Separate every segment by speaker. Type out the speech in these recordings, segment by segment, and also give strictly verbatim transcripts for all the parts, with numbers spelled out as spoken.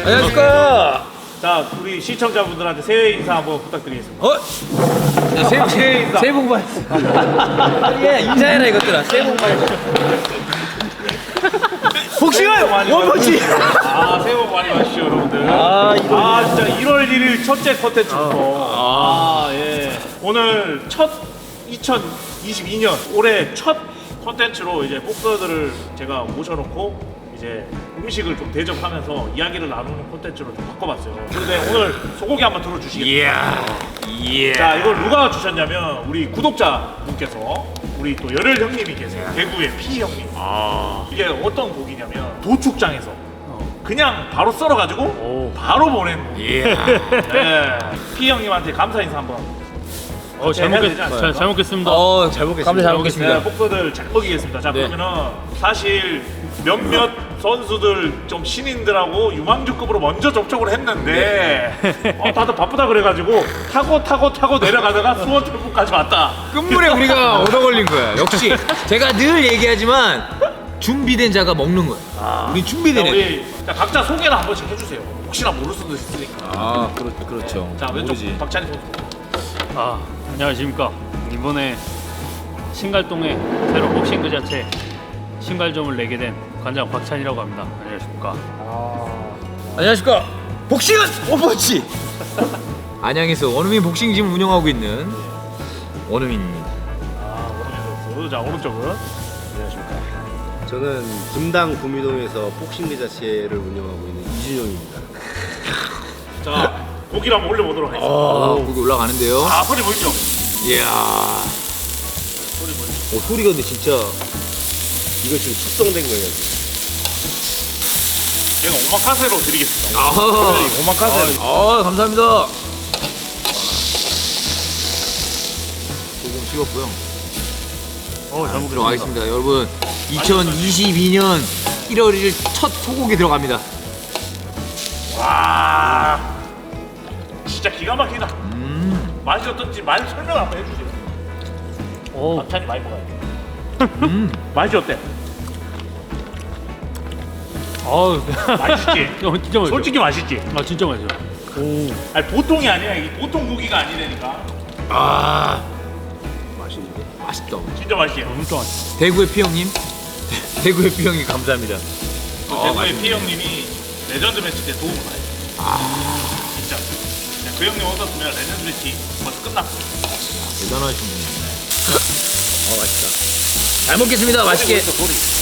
Speaker 1: 안녕하십니까.
Speaker 2: 자, 우리 시청자분들한테 새해 인사 한번 부탁드리겠습니다.
Speaker 1: 어? 야, 새해 복
Speaker 2: 새해 인사.
Speaker 1: 새해 복 많이. 예, 인사해라 이것들아. 새해 복 많이. 복싱을 원펀치.
Speaker 2: 아, 새해 복 많이 받으시죠, 여러분들.
Speaker 1: 아,
Speaker 2: 아, 진짜 일월 일일 첫째 컨텐츠부터. 아, 예. 오늘 첫 이천이십이 년 올해 첫 컨텐츠로 이제 복서들을 제가 모셔놓고 이제 음식을 좀 대접하면서 이야기를 나누는 콘텐츠로 좀 바꿔봤어요. 그런데 오늘 소고기 한번 들어주시겠어요?
Speaker 1: 이야. 이야.
Speaker 2: 자, 이걸 누가 주셨냐면 우리 구독자분께서 우리 또 열혈 형님이 계세요. 대구의 피 형님.
Speaker 1: 아.
Speaker 2: 이게 어떤 고기냐면 도축장에서 그냥 바로 썰어가지고 바로 보낸 고기.
Speaker 1: 이야.
Speaker 2: 네. 피 형님한테 감사 인사 한번.
Speaker 3: 어, 잘,
Speaker 2: 해야
Speaker 3: 먹겠,
Speaker 2: 되지 않을까?
Speaker 3: 잘, 잘 먹겠습니다.
Speaker 1: 어, 잘 먹겠습니다. 감사 잘 먹겠습니다.
Speaker 2: 네, 복서들 잘 먹이겠습니다. 자,
Speaker 1: 네.
Speaker 2: 그러면은 사실 몇몇 선수들 좀 신인들하고 유망주급으로 먼저 접촉을 했는데 어, 다들 바쁘다 그래가지고 타고 타고 타고 내려가다가 수원 templ까지 왔다.
Speaker 1: 끝물에 우리가 얻어 걸린 거야. 역시 제가 늘 얘기하지만 준비된 자가 먹는 거야.
Speaker 2: 아,
Speaker 1: 우리 준비된
Speaker 2: 자,
Speaker 1: 애.
Speaker 2: 우리 자, 각자 소개를 한 번씩 해주세요. 혹시나 모를 수도 있으니까.
Speaker 1: 아, 그렇 그렇죠.
Speaker 2: 자, 왼쪽 박찬희 선수.
Speaker 3: 아, 안녕하십니까. 이번에 신갈동에 새로 복싱 그 자체 신갈점을 내게 된 관장 박찬이라고 합니다. 안녕하십니까.
Speaker 1: 안녕하십니까. 복싱은 원펀치. 안양에서 원우민 복싱짐을 운영하고 있는 원우민입니다.
Speaker 2: 아, 오른쪽 선수. 자, 오른쪽은
Speaker 4: 저는 분당 구미동에서 복싱 자체를 운영하고 있는 이준용입니다.
Speaker 2: 자, 고기를 한번 올려보도록 하겠습니다.
Speaker 1: 아, 거기 올라가는데요.
Speaker 2: 아, 소리 보이죠?
Speaker 1: 이야.
Speaker 2: 소리 보이죠?
Speaker 1: 어, 소리가 근데 진짜.
Speaker 4: 이거 지금 숙성된 거예요.
Speaker 2: 제가 오마카세로 드리겠습니다.
Speaker 1: 아,
Speaker 2: 오마카세.
Speaker 1: 아, 감사합니다. 소금 씹었고요.
Speaker 3: 어, 잘 먹겠습니다.
Speaker 1: 들어가겠습니다. 여러분, 이천이십이 년 일월 일일 첫 소고기 들어갑니다.
Speaker 2: 와, 진짜 기가 막히다.
Speaker 1: 음,
Speaker 2: 맛이 어떤지 많이 설명 한번 해주세요.
Speaker 3: 오,
Speaker 2: 박찬이 많이 먹어야 돼.
Speaker 1: 음.
Speaker 2: 맛이 어때?
Speaker 3: 아우,
Speaker 2: 맛있지?
Speaker 3: 어, 진짜 맛있어.
Speaker 2: 솔직히 맛있지?
Speaker 3: 아, 진짜 맛있어. 오,
Speaker 2: 아니 보통이 아니야. 이게 보통 고기가 아니라니까.
Speaker 1: 아,
Speaker 4: 맛있는데?
Speaker 1: 맛있다.
Speaker 2: 진짜 맛있지?
Speaker 3: 진짜 맛있어.
Speaker 1: 대구의 피형님, 대구의 피형님 감사합니다.
Speaker 2: 그
Speaker 1: 어,
Speaker 2: 대구의
Speaker 1: 맛있네.
Speaker 2: 피 형님이 레전드 매치 때 도움을 많이 줬어. 아, 진짜. 그냥 그 형님 없었으면 레전드 매치 벌써 끝났어.
Speaker 1: 대단하신 분이네. 어, 맛있다. 잘 먹겠습니다. 맛있게.
Speaker 2: 소리 보이죠, 소리.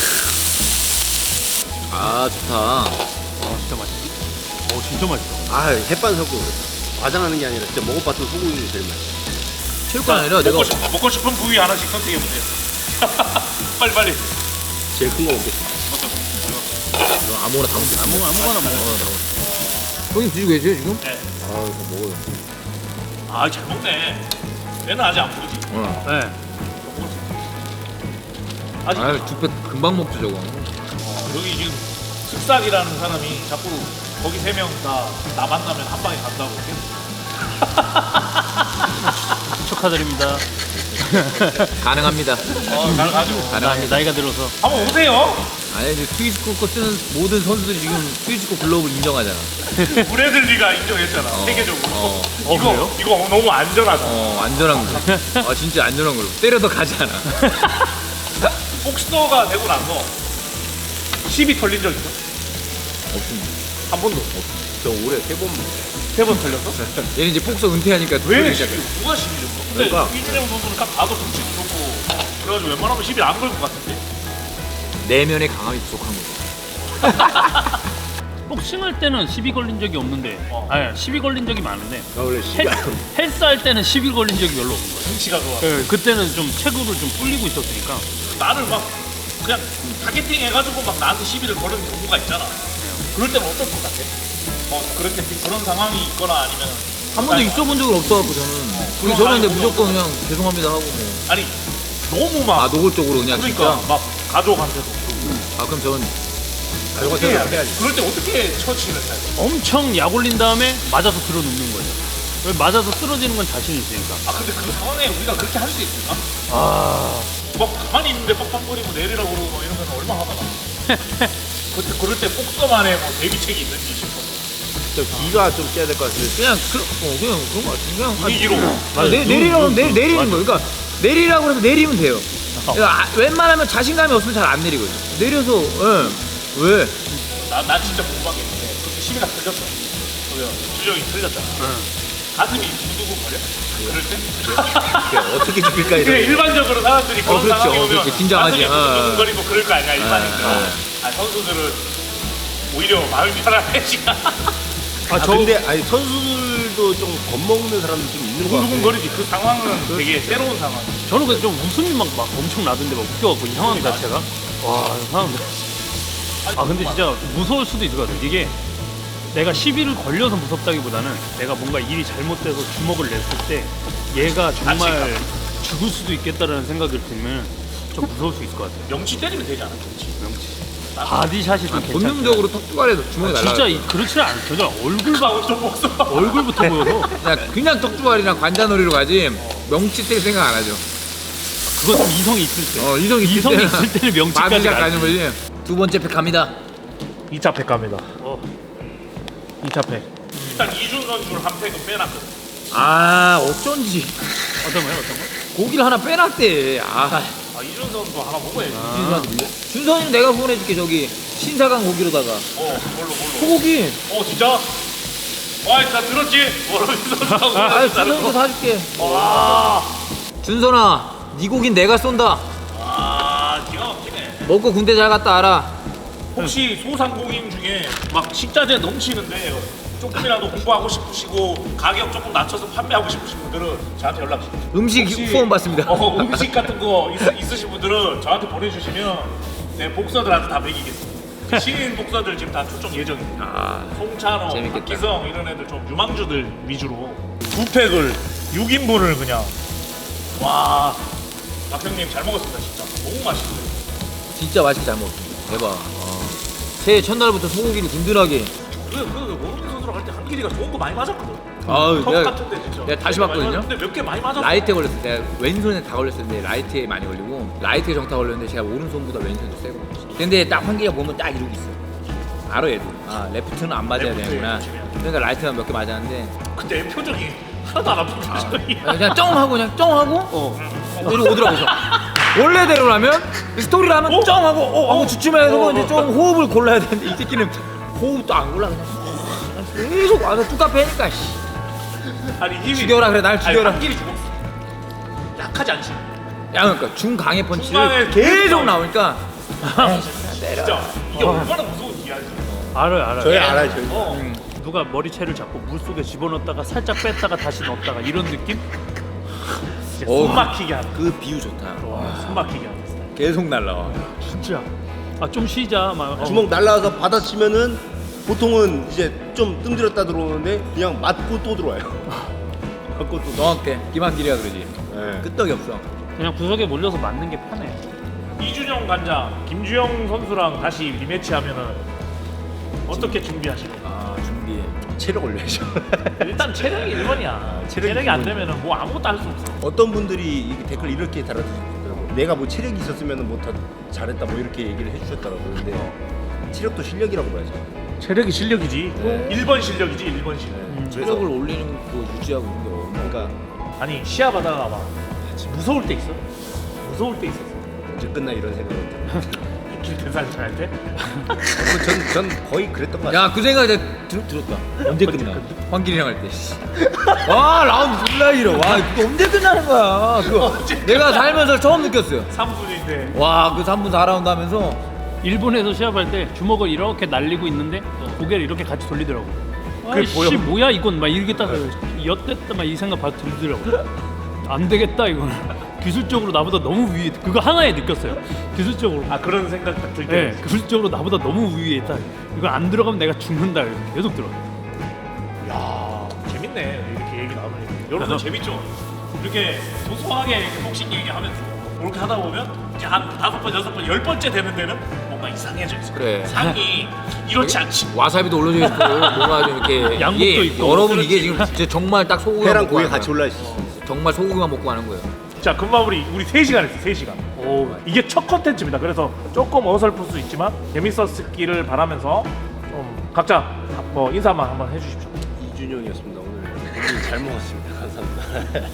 Speaker 1: 아, 좋다.
Speaker 3: 아, 진짜 맛있어. 오, 진짜 맛있어.
Speaker 4: 아, 햇반 섞고 과장하는 게 아니라 진짜 먹어봤던 소고기가 제일 맛있어.
Speaker 1: 체육관 아니라 내가
Speaker 2: 먹고, 싶, 먹고 싶은 부위 하나씩 선택해 보세요. 빨리 빨리.
Speaker 4: 제일 큰 거 먹겠습니다.
Speaker 1: 아무거나 다 먹겠습니다.
Speaker 3: 아무, 아무거나 먹어.
Speaker 1: 형님 드시고 계세요 지금?
Speaker 2: 네.
Speaker 4: 아, 이거 먹어요.
Speaker 2: 아, 잘 먹네. 얘는 아직 안 부르지.
Speaker 1: 어.
Speaker 3: 네.
Speaker 2: 아직
Speaker 1: 아, 죽배 금방 먹죠 저거.
Speaker 2: 어, 여기 지금 슥싹이라는 사람이 자꾸 거기 세 명 다 나 만나면 한 방에 간다고 계속.
Speaker 3: 축하드립니다.
Speaker 1: 가능합니다.
Speaker 2: 어, 잘 가지고.
Speaker 3: 나이,
Speaker 1: 가능합니다.
Speaker 3: 나이가 들어서.
Speaker 2: 한번 오세요.
Speaker 1: 아니 이제 스위스코 거 쓰는 모든 선수들이 지금 스위스코 글러브를 인정하잖아.
Speaker 2: 브래들리가 인정했잖아.
Speaker 1: 어.
Speaker 2: 세계적으로.
Speaker 1: 어.
Speaker 3: 어,
Speaker 2: 이거
Speaker 3: 그래요?
Speaker 2: 이거 너무 안전하다.
Speaker 1: 어, 안전한 거. 아 진짜 안전한 걸로. 때려도 가지 않아.
Speaker 2: 복스터가 되고 나서 십이 털린 적 있어?
Speaker 1: 없습니다.
Speaker 2: 한 번도 없어.
Speaker 4: 저 올해 세 번
Speaker 2: 세 번 털렸어?
Speaker 1: 얘는 이제 폭서 은퇴하니까
Speaker 2: 왜
Speaker 1: 털리기
Speaker 2: 십이?
Speaker 1: 시작해.
Speaker 2: 누가 십이 줬어? 근데
Speaker 4: 그러니까.
Speaker 2: 이준영 선수는 딱 봐도 덩치 좋고 그래가지고 웬만하면 십이 안 걸 것 같은데.
Speaker 1: 내면의 강함이 부족한 거죠.
Speaker 3: 복싱할 때는 시비 걸린 적이 없는데,
Speaker 2: 어.
Speaker 3: 아니, 시비 걸린 적이 많은데,
Speaker 4: 나 원래
Speaker 3: 헬, 헬스 할 때는 시비 걸린 적이 별로 없는 거예요.
Speaker 2: 덩치가 좋아.
Speaker 3: 네, 그때는 좀 체구를 좀 불리고 있었으니까.
Speaker 2: 나를 막 그냥 타겟팅 해가지고 막 나한테 시비를 거는 경우가 있잖아. 그럴 때는 어떨 것 같아? 어, 그렇게 그런 상황이 있거나 아니면
Speaker 1: 한 번도 있어본 적은 없어갖고 저는. 우리 저는 근데 무조건 그냥 죄송합니다 하고 뭐.
Speaker 2: 아니 너무 막
Speaker 1: 아 노골적으로 그냥
Speaker 2: 그러니까
Speaker 1: 진짜.
Speaker 2: 막 가족한테도
Speaker 1: 아 그럼 저는
Speaker 2: 어떻게 해야 돼? 그럴 때 어떻게 처치를 해야 돼?
Speaker 3: 엄청 약 올린 다음에 맞아서 들어 눕는 거예요. 왜 맞아서 쓰러지는 건 자신 있으니까.
Speaker 2: 아 근데 그 상황에 우리가 그렇게 할 수 있을까?
Speaker 3: 아,
Speaker 2: 막 가만히 있는데 빡빡거리고 내리라고 그러고 막 이러면 얼마나 화가 나. 그때 그럴 때 복서만의 뭐 대비책이 있는지 싶어서.
Speaker 4: 좀 기가 좀 째야 될 것 같은데.
Speaker 1: 그냥 그, 어, 그냥 그런 거 같아. 그냥
Speaker 2: 분위기로.
Speaker 1: 아, 내, 내리라고 내, 내리는 거예요. 그러니까 내리라고 그러면 내리면 돼요. 그러니까 아, 웬만하면 자신감이 없으면 잘 안 내리거든. 내려서 예. 왜?
Speaker 2: 나, 나 진짜 궁금한 게 있는데 그때 시비가 틀렸어. 그래요. 주정이 틀렸잖아. 가슴이 두두고 거려? 그럴 때?
Speaker 4: 어떻게 죽일까
Speaker 2: 그래,
Speaker 4: 이런.
Speaker 2: 일반적으로 사람들이 그런
Speaker 1: 그렇죠.
Speaker 2: 상황이
Speaker 1: 어,
Speaker 2: 오면
Speaker 1: 그렇지. 긴장하지.
Speaker 2: 가슴이
Speaker 1: 어, 어.
Speaker 2: 두두근거리고 그럴 거 아니야 일반인들.
Speaker 1: 어, 어.
Speaker 2: 아, 선수들은 오히려 마음이 편안해 지금.
Speaker 4: 아, 근데 아니 선수들도 좀 겁먹는 사람도 좀 있는 것 같아.
Speaker 2: 두두근거리지. 그 상황은 되게 새로운 상황.
Speaker 3: 저는 근데 좀 웃음이 막, 막 엄청 나던데 막 웃겨갖고 이 상황 자체가 와 사람들 아 근데 진짜 무서울 수도 있을 것 같아요. 이게 내가 시비를 걸려서 무섭다기보다는 내가 뭔가 일이 잘못돼서 주먹을 냈을 때 얘가 정말 죽을 수도 있겠다라는 생각이 들면 좀 무서울 수 있을 것 같아요.
Speaker 2: 명치 때리면 되지 않아? 명치.
Speaker 3: 명치 바디샷이 좀 괜찮아.
Speaker 1: 본능적으로 턱주발에서 주먹이 날라.
Speaker 3: 진짜 이- 그렇지 않죠. 얼굴 봐
Speaker 2: 좀 먹어.
Speaker 3: 얼굴부터 보여서
Speaker 1: 그냥 그냥 턱주발이랑 관자놀이로 가지 명치 때 생각 안 하죠.
Speaker 3: 그건 좀 이성이 있을 때.
Speaker 1: 어 이성이 있을
Speaker 3: 이성이
Speaker 1: 때는
Speaker 3: 있을 때는 명치까지
Speaker 1: 바디샷
Speaker 3: 가지.
Speaker 1: 가는 거지. 두 번째 팩 갑니다.
Speaker 2: 이 차 팩 갑니다.
Speaker 3: 어.
Speaker 2: 이 차 팩. 일단 이준 선수를 한 팩은 빼놨거든.
Speaker 1: 아 어쩐지
Speaker 3: 어떤 거요? 어떤 거?
Speaker 1: 고기를 하나 빼놨대. 아
Speaker 2: 아 이준 선수 하나 먹어야지.
Speaker 1: 준선 준선이는 내가 보내줄게. 저기 신사강 고기로다가
Speaker 2: 어, 뭘로 뭘로.
Speaker 1: 소고기.
Speaker 2: 어 진짜? 와, 나 들었지? 뭐라면서
Speaker 1: 아 준선이도 사줄게.
Speaker 2: 와,
Speaker 1: 준선아 네 고긴 내가 쏜다.
Speaker 2: 아, 기가 막히네.
Speaker 1: 먹고 군대 잘 갔다 알아.
Speaker 2: 혹시 소상공인 중에 막 식자재 넘치는데 조금이라도 공부하고 싶으시고 가격 조금 낮춰서 판매하고 싶으신 분들은 저한테 연락 주세요.
Speaker 1: 음식
Speaker 2: 혹시-
Speaker 1: 후원 받습니다.
Speaker 2: 어, 음식 같은 거 있, 있으신 분들은 저한테 보내주시면 네, 복서들한테 다 먹이겠습니다. 신인 복서들 지금 다 출정 예정입니다.
Speaker 1: 아
Speaker 2: 송찬호,
Speaker 1: 재밌겠다.
Speaker 2: 박기성 이런 애들 좀 유망주들 위주로 두 팩을 육 인분을 그냥 와 박형님 잘 먹었습니다 진짜 너무 맛있어요.
Speaker 1: 진짜 맛있게 잘 먹었습니다. 대박. 어. 새해 첫날부터 소고기를 든든하게.
Speaker 2: 그그 모르는 선수랑 할 때 한길이가 좋은 거 많이 맞았거든.
Speaker 1: 아우,
Speaker 2: 턱
Speaker 1: 내가-
Speaker 2: 같은데 진짜.
Speaker 1: 내가 다시
Speaker 2: 많이
Speaker 1: 봤거든요?
Speaker 2: 맞았는데 몇 개 많이 맞았어.
Speaker 1: 라이트에 걸렸을 때 내가 왼손에 다 걸렸었는데 라이트에 많이 걸리고 라이트에 정타 걸렸는데 제가 오른손보다 왼손이 세고. 근데 딱 한기가 보면 딱 이러고 있어. 알아 얘도. 아 레프트는 안 맞아야
Speaker 2: 레프트에
Speaker 1: 되는구나.
Speaker 2: 조심해야 돼.
Speaker 1: 그러니까 라이트만 몇 개 맞았는데
Speaker 2: 그때 애 표정이 하나도 안 아픈 표정이야.
Speaker 1: 그냥 쩡 하고 그냥 쩡 하고 어 내려 오더라고. 원래대로라면 스토리를 하면
Speaker 2: 어?
Speaker 1: 쩡 하고 어 하고 주춤해서
Speaker 2: 어,
Speaker 1: 이제
Speaker 2: 어,
Speaker 1: 좀 호흡을 골라야 되는데 이 새끼는 호흡도 안 골라 그냥 계속 와서 뚜까 패니까 씨.
Speaker 2: 아니 힘이
Speaker 1: 죽여라 그래 날 죽여라.
Speaker 2: 아니, 한길이 죽었어. 약하지 않지.
Speaker 1: 야 그러니까 중강의
Speaker 2: 중강의
Speaker 1: 펀치를 계속 나오니까
Speaker 2: 진짜 이게 얼마나 무서운 이야기야.
Speaker 3: 알아요, 알아요.
Speaker 4: 저희 알아요, 저희.
Speaker 2: 어.
Speaker 3: 누가 머리채를 잡고 물 속에 집어넣었다가 살짝 뺐다가 다시 넣었다가 이런 느낌?
Speaker 2: 진짜
Speaker 1: 어.
Speaker 2: 숨 막히게 하는.
Speaker 1: 그 비유 좋다.
Speaker 2: 와, 숨 막히게 하는 스타일.
Speaker 1: 계속 날라와.
Speaker 3: 진짜. 아 좀 쉬자 막. 어.
Speaker 4: 주먹 날라와서 받아치면은 보통은 이제 좀 뜸들였다 들어오는데 그냥 맞고 또 들어와요. 맞고 또.
Speaker 1: 정확해. 김한길이가 그러지.
Speaker 4: 네.
Speaker 1: 끄떡이 없어.
Speaker 3: 그냥 구석에 몰려서 맞는 게 편해.
Speaker 2: 이준영 관장, 김주영 선수랑 다시 리매치 하면은 어떻게 준비하시고?
Speaker 1: 아 준비.
Speaker 4: 체력 올려야죠.
Speaker 2: 일단 체력이 일 번이야.
Speaker 4: 체력이
Speaker 2: 체력이 안
Speaker 4: 일 번.
Speaker 2: 되면은 뭐 아무것도 할 수 없어.
Speaker 4: 어떤 분들이 이 댓글 이렇게 달아주셨더라고. 내가 뭐 체력이 있었으면 뭐 더 잘했다 뭐 이렇게 얘기를 해주셨더라고. 근데 체력도 실력이라고 봐야죠.
Speaker 2: 체력이 실력이지.
Speaker 4: 네.
Speaker 2: 일 번 실력이지, 일 번 실력.
Speaker 3: 음.
Speaker 1: 체력을 올리는 거 유지하고 있는 게 어려워.
Speaker 4: 그러니까
Speaker 2: 아니 시합 하다가 막 무서울 때 있어. 무서울 때 있었어.
Speaker 4: 언제 끝나 이런 생각을 들어요.
Speaker 2: 김태살 할 때.
Speaker 4: 전, 전 거의 그랬던 것 같아요.
Speaker 1: 야 그 생각 내가 들, 들었다. 언제 끝나? 황길이랑 할 때. 씨. 와 라운드 졸라 길어. 와 이거 언제 끝나는 거야? 그거 내가 살면서 처음 느꼈어요.
Speaker 2: 삼 분인데.
Speaker 1: 와 그 삼 분 사 라운드 하면서
Speaker 3: 일본에서 시합할 때 주먹을 이렇게 날리고 있는데 고개를 이렇게 같이 돌리더라고.
Speaker 2: 그게
Speaker 3: 아이씨
Speaker 2: 보여?
Speaker 3: 뭐야 이건 막 이렇게 딱 엿됐다 막 이 생각 바로 들더라고. 안 되겠다 이거는. 기술적으로 나보다 너무 위에 그거 하나에 느꼈어요. 기술적으로.
Speaker 2: 아 그런 생각 딱 들 때.
Speaker 3: 네, 기술적으로 나보다 너무 위에 있다. 이거 안 들어가면 내가 죽는다. 이렇게 계속 들어.
Speaker 2: 야 재밌네 이렇게 얘기 나누니까. 여러분 재밌죠? 이렇게 소소하게 이렇게 복싱 얘기하면서 그렇게 하다 보면 이제 한 다섯 번 여섯 번 열 번째 되는 데는 뭔가 이상해져 있어.
Speaker 1: 그래.
Speaker 2: 상이 이렇지 않지.
Speaker 1: 와사비도 올려져 있고 뭔가 좀 이렇게
Speaker 3: 양복도
Speaker 1: 이게
Speaker 3: 있고.
Speaker 1: 여러분
Speaker 2: 그렇지.
Speaker 1: 이게 지금 진짜 정말 딱 소고기만
Speaker 4: 회랑
Speaker 1: 먹고
Speaker 4: 고기
Speaker 1: 가는
Speaker 4: 같이
Speaker 1: 거야.
Speaker 4: 올라 있어.
Speaker 1: 정말 소고기만 먹고 가는 거예요.
Speaker 2: 자 금마무리 우리 세 시간 했어 세 시간.
Speaker 3: 오. 오,
Speaker 2: 이게 첫 컨텐츠입니다. 그래서 조금 어설플 수 있지만 재밌었기를 바라면서 좀 각자 뭐 인사만 한번 해주십시오.
Speaker 4: 이준용이었습니다. 오늘 고기 잘 먹었습니다. 감사합니다.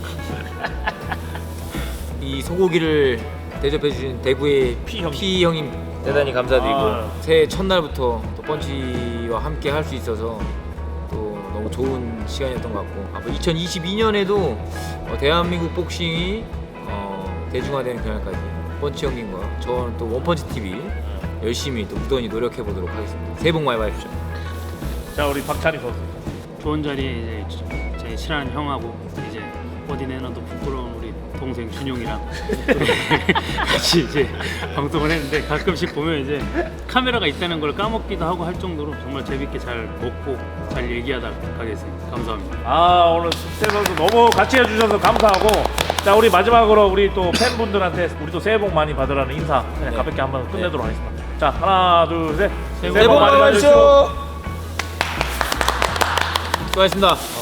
Speaker 1: 이 소고기를 대접해 주신 대구의
Speaker 2: 피 형님.
Speaker 1: 피 형님 대단히 감사드리고
Speaker 2: 아.
Speaker 1: 새해 첫날부터 또 펀치와 함께 할 수 있어서 또 너무 좋은 시간이었던 것 같고 앞으로 이천이십이 년에도 어, 대한민국 복싱이 어, 대중화되는 그날까지 펀치 형님과 저는 또 원펀치 티비 열심히 또 무던히 노력해 보도록 하겠습니다. 새해 복 많이 받으십시오.
Speaker 2: 자 우리 박찬희 선수.
Speaker 3: 좋은 자리에 이제 제 친한 형하고 이제 어디 내놔도 부끄러운 우리 동생 준용이랑 같이 이제 방송을 했는데 가끔씩 보면 이제 카메라가 있다는 걸 까먹기도 하고 할 정도로 정말 재밌게 잘 먹고 잘 얘기하다 가겠습니다. 감사합니다.
Speaker 2: 아 오늘 숙세 선수 너무 같이 해주셔서 감사하고 자 우리 마지막으로 우리 또 팬분들한테 우리 또 새해 복 많이 받으라는 인사 그냥
Speaker 1: 네.
Speaker 2: 가볍게 한번 끝내도록 하겠습니다. 자 하나 둘 셋
Speaker 3: 새해
Speaker 2: 새해 복 많이 받으십시오.
Speaker 1: 수고하셨습니다.